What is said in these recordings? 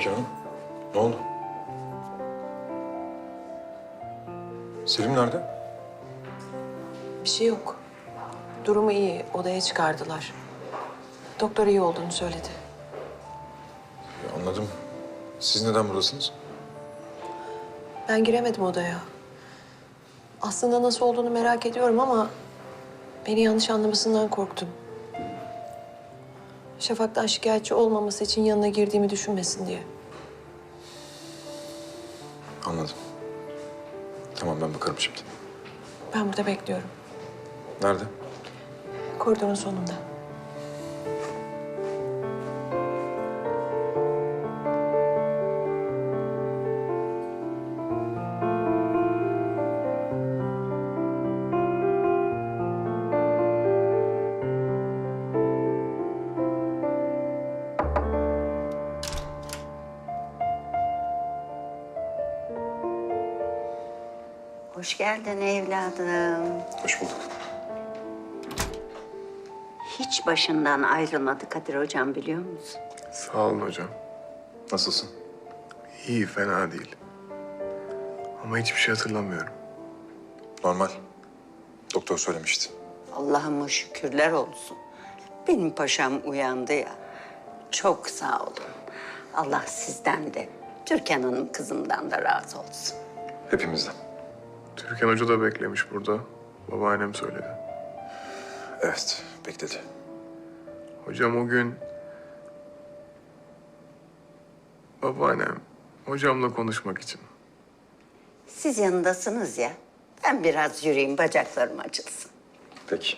Türkan Hanım? Ne oldu? Selim nerede? Bir şey yok. Durumu iyi. Odaya çıkardılar. Doktor iyi olduğunu söyledi. Anladım. Siz neden buradasınız? Ben giremedim odaya. Aslında nasıl olduğunu merak ediyorum ama beni yanlış anlamasından korktum. Şafak'tan şikayetçi olmaması için yanına girdiğimi düşünmesin diye. Anladım. Tamam, ben bakarım şimdi. Ben burada bekliyorum. Nerede? Koridorun sonunda. Hoş geldin evladım. Hoş bulduk. Hiç başından ayrılmadı Kadir hocam, biliyor musun? Sağ olun hocam. Nasılsın? İyi, fena değil. Ama hiçbir şey hatırlamıyorum. Normal. Doktor söylemişti. Allah'ıma şükürler olsun. Benim paşam uyandı ya. Çok sağ olun. Allah sizden de, Türkan Hanım kızımdan da razı olsun. Hepimizden. Türkan Hoca da beklemiş burada. Babaannem söyledi. Evet, bekledi. Hocam o gün... Babaannem hocamla konuşmak için. Siz yanındasınız ya. Ben biraz yürüyeyim, bacaklarım açılsın. Peki.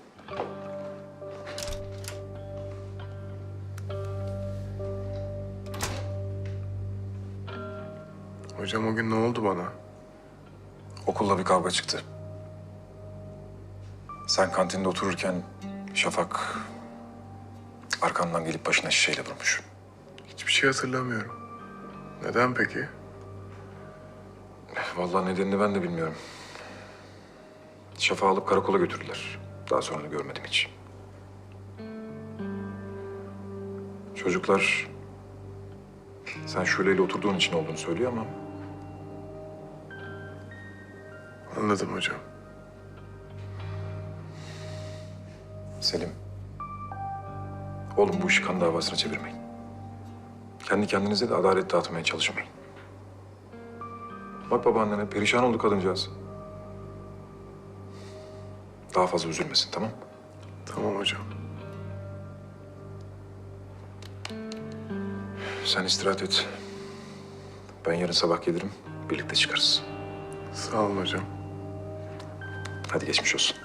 Hocam o gün ne oldu bana? Okulda bir kavga çıktı. Sen kantinde otururken Şafak arkandan gelip başına şişeyle vurmuş. Hiçbir şey hatırlamıyorum. Neden peki? Vallahi nedenini ben de bilmiyorum. Şafak'ı alıp karakola götürdüler. Daha sonra da görmedim hiç. Çocuklar sen Şule'yle oturduğun için olduğunu söylüyor ama Anladım hocam. Selim, oğlum bu işi kan davasına çevirmeyin. Kendi kendinize de adalet dağıtmaya çalışmayın. Bak babaannene perişan oldu kadıncağız. Daha fazla üzülmesin, tamam? Tamam hocam. Sen istirahat et. Ben yarın sabah gelirim, birlikte çıkarız. Sağ olun hocam. Hadi geçmiş olsun.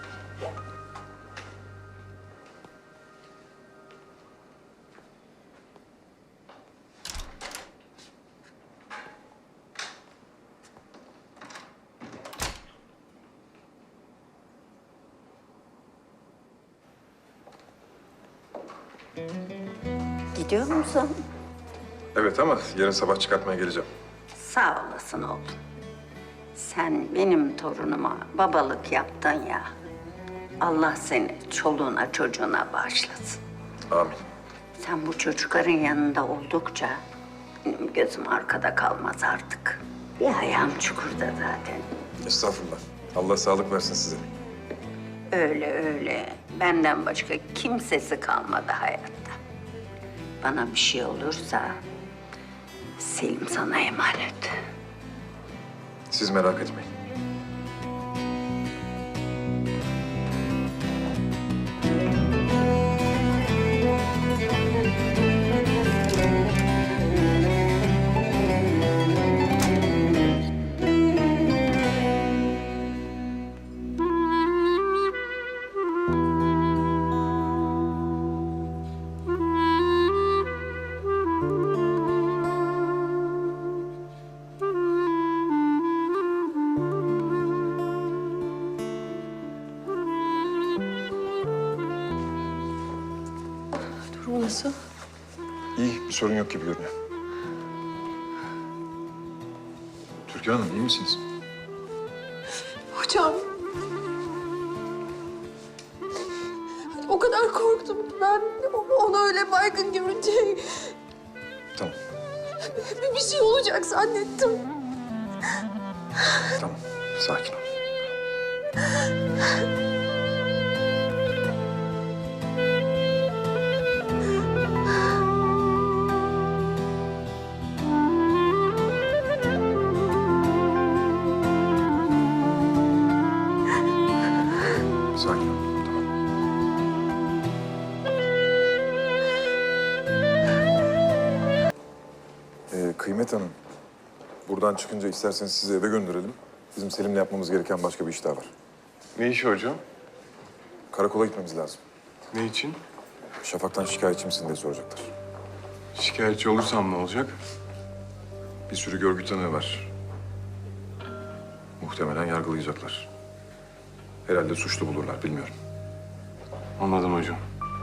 Gidiyor musun? Evet ama yarın sabah çıkartmaya geleceğim. Sağ olasın oğlum. Sen benim torunuma babalık yaptın ya. Allah seni çoluğuna çocuğuna bağışlasın. Amin. Sen bu çocukların yanında oldukça benim gözüm arkada kalmaz artık. Bir ayağım çukurda zaten. Estağfurullah. Allah sağlık versin size. Öyle öyle. Benden başka kimsesi kalmadı hayatta. Bana bir şey olursa Selim sana emanet. Siz merak etmeyin. Durumu nasıl? İyi, bir sorun yok gibi görünüyor. Türkan Hanım, iyi misiniz? Hocam. O kadar korktum ki ben onu öyle baygın görünce. Tamam. Bir şey olacak zannettim. Tamam, sakin ol. Sakin ol, tamam. Kıymet Hanım, buradan çıkınca isterseniz sizi eve gönderelim. Bizim Selim'le yapmamız gereken başka bir iş daha var. Ne işi hocam? Karakola gitmemiz lazım. Ne için? Şafak'tan şikayetçi misin diye soracaklar. Şikayetçi olursam ne olacak? Bir sürü görgü tanığı var. Muhtemelen yargılayacaklar. Herhalde suçlu bulurlar, bilmiyorum. Anladım hocam.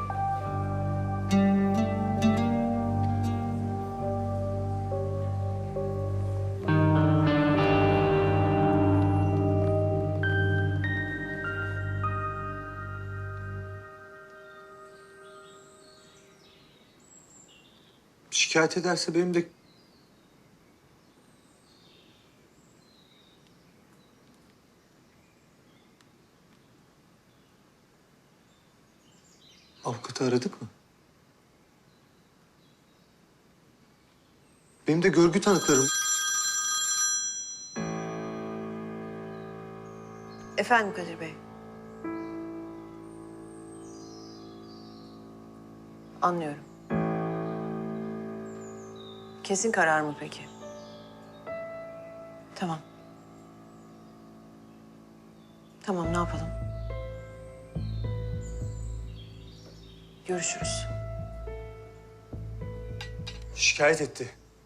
Şikayet ederse benim de... Avukatı aradık mı? Benim de görgü tanıklarım... Efendim Kadir Bey. Anlıyorum. Kesin karar mı peki? Tamam. Tamam, ne yapalım? Görüşürüz. Şikayet etti.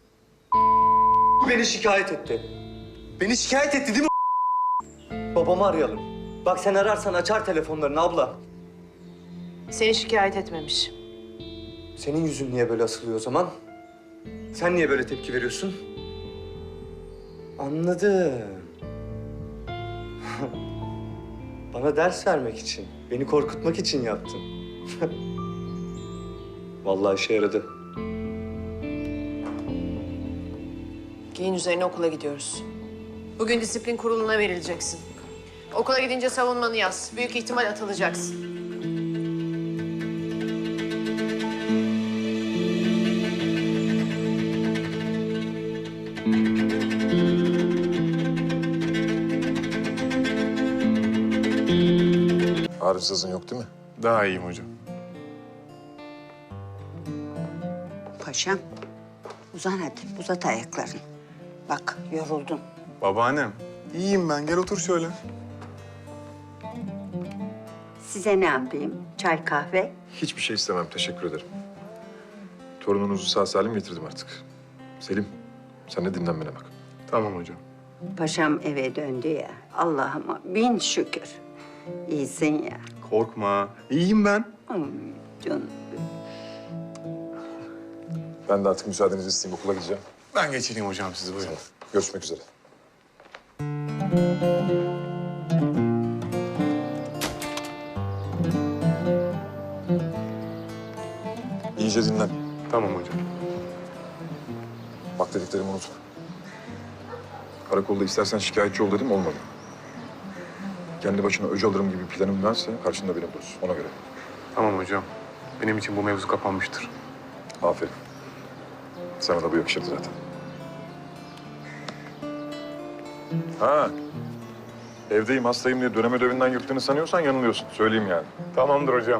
Beni şikayet etti. Beni şikayet etti değil mi? Babamı arayalım. Bak sen ararsan açar telefonlarını abla. Seni şikayet etmemiş. Senin yüzün niye böyle asılıyor o zaman? Sen niye böyle tepki veriyorsun? Anladım. Bana ders vermek için, beni korkutmak için yaptın. Vallahi işe yaradı. Giyin üzerine okula gidiyoruz. Bugün disiplin kuruluna verileceksin. Okula gidince savunmanı yaz. Büyük ihtimal atılacaksın. Arızasın yok değil mi? Daha iyiyim hocam. Paşam, uzan hadi, uzat ayaklarını. Bak, yoruldun. Babaannem, iyiyim ben. Gel otur şöyle. Size ne yapayım? Çay, kahve? Hiçbir şey istemem, teşekkür ederim. Torununuzu sağ salim getirdim artık. Selim, sen de dinlenmene bak. Tamam hocam. Paşam eve döndü ya. Allah'ıma bin şükür. İyisin ya. Korkma. İyiyim ben. Ay canım. Ben de artık müsaadenizi isteyeyim, okula gideceğim. Ben geçireyim hocam sizi. Buyurun. Görüşmek üzere. İyice dinlen. Tamam hocam. Bak dediklerimi unutma. Karakolda istersen şikayetçi ol dedim, olmadı. Kendi başına öc alırım gibi planım varsa karşında beni bulursun, ona göre. Tamam hocam. Benim için bu mevzu kapanmıştır. Aferin. Sana da bu yakışırdı zaten. Ha. Evdeyim, hastayım diye dönem ödevinden yırttığını sanıyorsan yanılıyorsun. Söyleyeyim yani. Tamamdır hocam.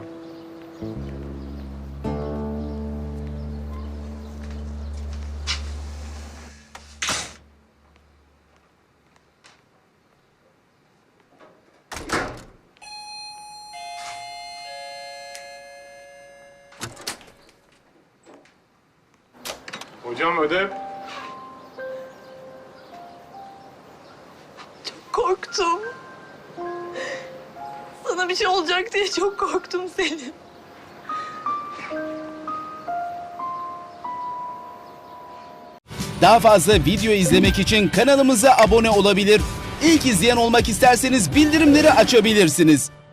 Hocam ödev. Korktum. Sana bir şey olacak diye çok korktum Selim. Daha fazla video izlemek için kanalımıza abone olabilir. İlk izleyen olmak isterseniz bildirimleri açabilirsiniz.